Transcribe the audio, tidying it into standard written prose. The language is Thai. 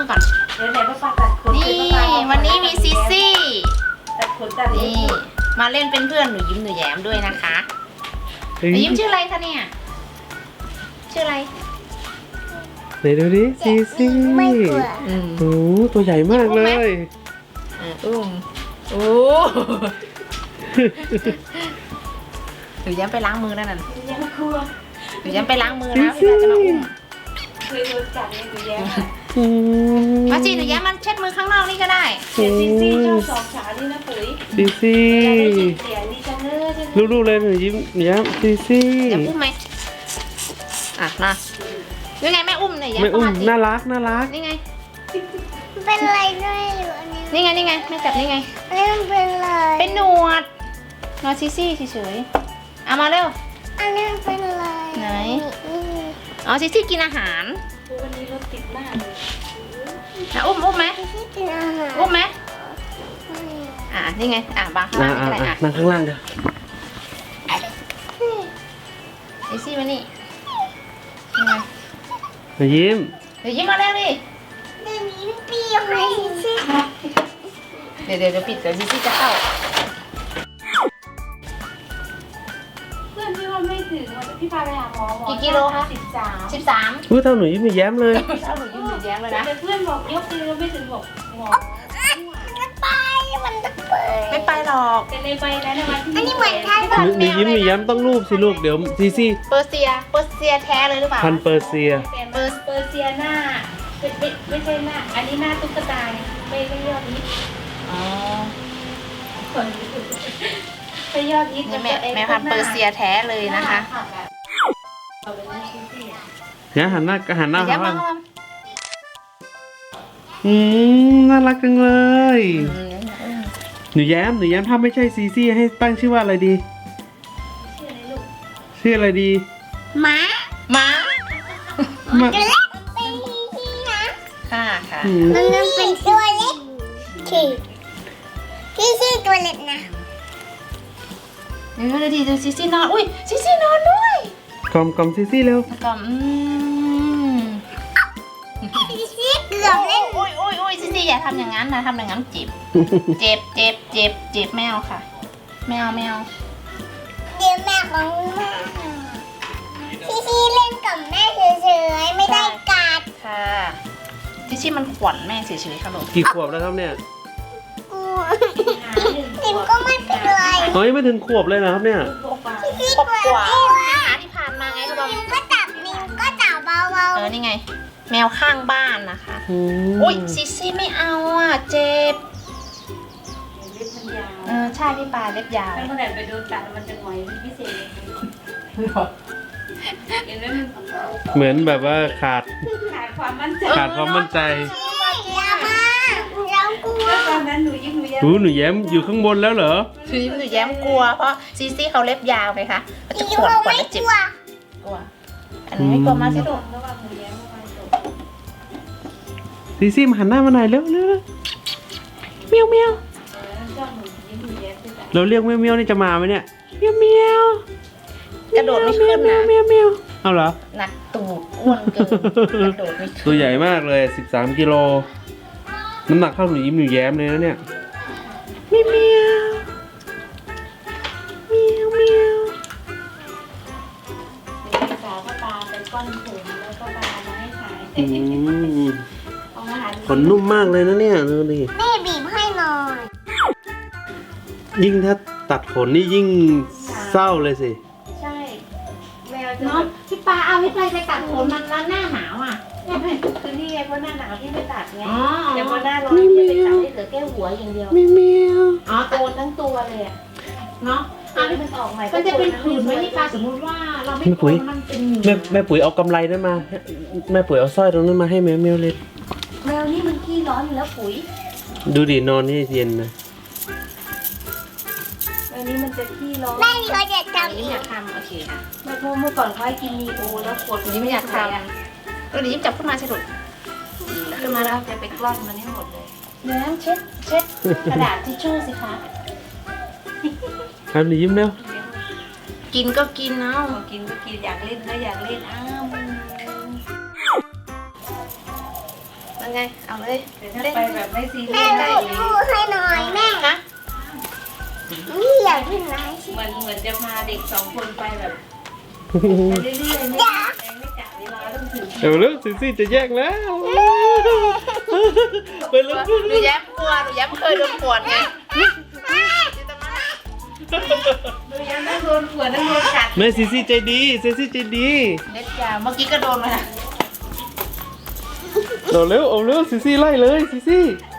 มือก่อนเดี๋ยวไหนป้าปาตัดขนนี่วันนี้มีซีซี่ตัดขนตัดเล็นี่บมาเล่นเป็นเพื่อนหนูยิ้มหนูแย้มด้วยนะคะหนูยิ้มชื่ออะไรคะเนี่ยชื่ออะไรไหนดูดิซีซี่ไม่กลัวโอ้ตัวใหญ่มากเลยอุ้มโอ้หนูแย้มไปล้างมือแล้วนั่นยังกลัวหนูแย้มไปล้างมือนะพี่ตาจะมาอุ้มเคยโดนกัดเลยหนูแย้มอืมมาจีหนูแย้มมันเช็ดมือข้างนอกนี่ก็ได้เสียซีซี่ชอบสองขานี่นะปุ๋ยซีซี่เสียดีจังเลยลูกๆเลยหนูยิ้มย้มซีซี่แย้มอุ้มไหมอ่ะมายังไงแม่อุ้มเนี่ยแย้มไม่เข้าอุ้มมาสิน่ารักน่ารักนี่ไงเป็นอะไรด้วยอยู่อันนี้นี่ไงนี่ไงแม่จับนี่ไงอันนี้มันเป็นอะไรเป็นหนวดนอนซีซี่เฉยๆเอามาเร็วอันนี้มันเป็นอะไรไหน อ๋อซีซี่กินอาหารวันนี้รถติดมากเลยนะอุ้มไหมที่กินอาหารอุ้มไหมนี่ไงบางข้างล่างนี่ก็ได้นั่งข้างล่างเดี๋ยวซีซี่มานี่นี่ไงหนูยิ้มเดี๋ยวยิ้มมาแล้วดิเดี๋ยวนี้เปรี้ยวไหมสิเดี๋ยวปิดเดี๋ยวซีซี่จะเข้าเพื่อนพี่ว่าไม่ถึงพี่พาไปหาหมอ13 13 พูดเท่าหนูยิ้มหนูแย้มเลยถ้าหนูยิ้มหนูแย้มเลยนะแต่เพื่อนบอกยกมือไม่ถึงบอกหมอมันไปมันจะเปิดไม่ไปหรอกแต่ในใบนั้นวันที่อันนี้เหมือนท่านหนูยิ้มหนูแย้มต้องรูปสิลูกเดี๋ยวซีซี่เปอร์เซียแท้เลยหรือเปล่าพันเปอร์เซียเปอร์เซียหน้าไม่ใช่หน้าอันนี้หน้าตุ๊กตาไม่ยอดฮิตอ๋อไม่ยอดฮิตนี่แม่พันธุ์เปอร์เซียแท้เลยนะคะเนี่ยหันหน้าหหานูแย้มบ้ามางน่ารักจังเลยหนูแย้มถ้าไม่ใช่ซีซี่ให้ตั้งชื่อว่าอะไรดี ชื่ออะไรดีหมาม้ามาตัวเล็กเป็นที่นะค่ะอืมมันเป็นตัวเล็กที่ชื่อตัวเล็กนะดูซีซี่นอนอุ้ยซีซี่นอนด้วยกล่อมซีซี่เร็วแล้วก็ที่เกือบเล่นอุ้ยซีซี่อย่าทำอย่างนั้นนะทำอย่างนั้นเจ็บเจ็บแมวค่ะแมวเดี๋ยวแม่ของแม่ที่เล่นกับแม่เฉยๆไม่ได้กัดค่ะซีซี่มันขวัญแม่เฉยๆค่ะลูกกี่ขวบแล้วครับเนี่ยกลัวติมก็ไม่เป็นไรเฮ้ยไม่ถึงขวบเลยนะครับเนี่ยที่ครบตัวกว่าเล็กหาที่ผ่านมาไงก็บอกนิมก็จับเบานี่ไง แมวข้างบ้านนะคะอืมอุ้ยซีซี่ไม่เอาอ่ะเจ็บเล็บมันยาวใช่พี่ปลาเล็บยาวถ้าเมื่อไหร่ไปโดนกัดมันจะหงอยเป็นพิเศษเห็นไหมมันเหมือนแบบว่าขาดขาดความมั่นใจขาดความมั่นใจๆอย่ามาเรากลัวแล้วตอนนั้นหนูยิ้มหนูแย้มหนูแย้มอยู่ข้างบนแล้วเหรอคือหนูแย้มกลัวเพราะซีซี่เขาเล็บยาวไงคะมันจะอีขวนเขาขวนไม่และกเจ็บลัวกลัวอันนี้ไม่กลัวมากสิลูกระหว่างหนูแย้มระหว่างตกซีซี่มาหันหน้ามาหน่อยเร็วเร็วเมียวเมียวชอบหนูยิ้มหนูแย้มด้วยกันเราเรียกเมียวเมียวนี่จะมาไหมเนี่ยเมียวเมียวกระโดดไม่ขึ้นนะเมียวเมียวเอาเหรอหนักตูดอ้วนเกินกระโดดไม่ขึ้นตัวใหญ่มากเลย13กิโลน้ำหนักเท่าหนูยิ้มหนูแย้มเลยนะเนี่ยเมียวเมียวเมียวเมียวสาวก็ตาไปก้อนผมแล้วก็ปามาให้ถ่ายอืมเอามาหาขนนุ่มมากเลยนะเนี่ยดูดิแม่บีบให้หน่อยยิ่งถ้าตัดขนนี่ยิ่งเศร้าเลยสิใช่แมวจะเนาะพี่ปลาเอาพี่ปลาไปตัดผมมันแล้วหน้าหนาวอ่ะคือนี่ไงเพราะหน้าหนาวที่ไม่ตัดไงอ๋อแต่พอหน้าร้อนจะไปตัดให้เหลือแค่หัวอย่างเดียวเมียวเมียวอ๋อโกนทั้งตัวเลยอ่ะเนาะอันนี้มันออกใหม่มันจะเป็นผื่นไหมพี่ปลาสมมติว่าเราไม่โกนมันเป็นเหงื่อแม่ปุ๋ยเอากำไรนั้นมาแม่ปุ๋ยเอาสร้อยตรงนั้นมาให้แมวเมียวเลยแมวนี่มันขี้ร้อนอยู่แล้วปุ๋ยดูดินอนนี่เย็นนะแมวนี้มันจะขี้ร้อนแม่เขาจะอันทำนี้อีไม่อก ยากทำโอเคค่ะเมื่อก่อนเขาให้กินมีโอแล้วขวดอันนี้ไม่อยากทำเราดีจับขึ้นมาสิลูกขึ้นมาแล้วจะไปกล้อนมันให้หมดเลยน้ำเช็ดกระดาษทิชชู่สิคะทำหนูยิ้มเร็วกินก็กินเอากินก็กินอยากเล่นก็อยากเล่นอ้าวนไง เอาเลยแต่ถ้าไปแบบไม่ซีเรีแม่ยสดูได้ดพูให้หน่อยแม่ฮะนี่อยากขึ้นไหนสิเหมือนจะพาเด็ก2 คนไปแบบไปเรื่อยๆไม่กะเวลาต้องถึงเดี๋ยวเร็วซีซี่จะแยกแล้วไปเร็วหนูแย้มกลัวหนูแย้มเคยโดนปวดไงหนูยังต้องโดนขวดต้องโดนกัดแม่ซีซี่ใจดีซีซี่ใจดีเล็ดยาวเมื่อกี้ก็โดนมานะเอาเร็วซีซี่ไล่เลยซีซี่แ